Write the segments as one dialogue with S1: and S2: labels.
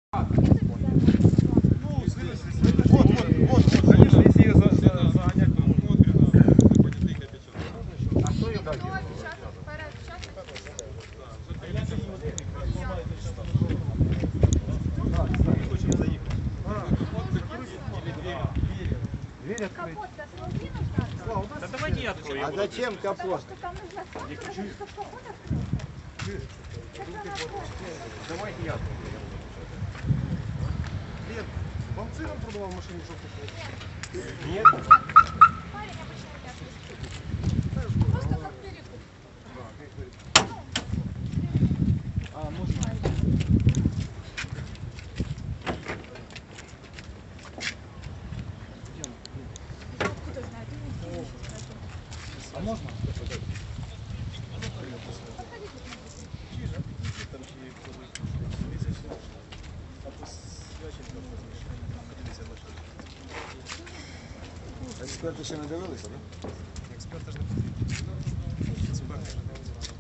S1: Вот, конечно, если ее загонять, то понятых опечаток. А что ее дать? Хочем заехать. Дверь открыть.
S2: Да давайте я открою.
S3: А зачем капот?
S1: Давайте я открою. Лен, вам сыром продавал машину желтую? Нет.
S4: Парень обычно это просто как перекуп.
S1: А, можно?
S4: Кто знает, ты не
S1: А можно?
S3: Експерти ще не дивилися, так?
S1: Експерти ж не потрібні. Експерти ж не дивилися.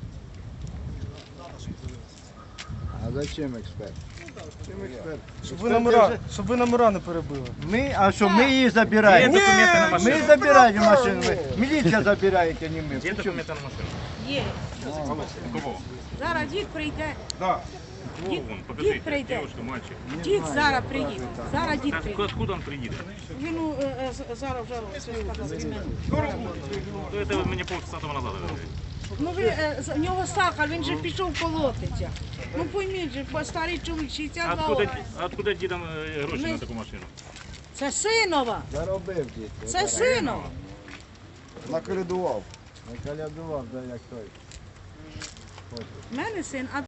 S3: А зачем експерт? Чим експерт?
S5: Щоб ви номера не перебили.
S3: Ми, а що, ми її забираємо?
S2: Є документи на машину.
S3: Ми забираємо машину. Міліція забирає, а не ми.
S2: Є документи на машину?
S6: Є.
S2: Кого?
S6: Зараз дід прийде.
S1: Да.
S2: Вон, покажите,
S6: прийде.
S2: девушка, мальчик.
S6: Дід зараз приїде. Зараз дід прийде.
S2: Откуда он приедет?
S6: Він зараз вже все сказав від мене.
S2: То это вы мне полчаса тому назад говорили.
S6: Ну в нього сахар, він же пішов колотиться. Ну пойміть же, старий чоловік, 62 років.
S2: Откуда дідам гроші
S6: Ми-
S2: на таку машину?
S6: Це синова.
S3: Заробив дід.
S6: Це синова.
S3: Наколядував. Наколядував, да, як той.
S6: У мене син, а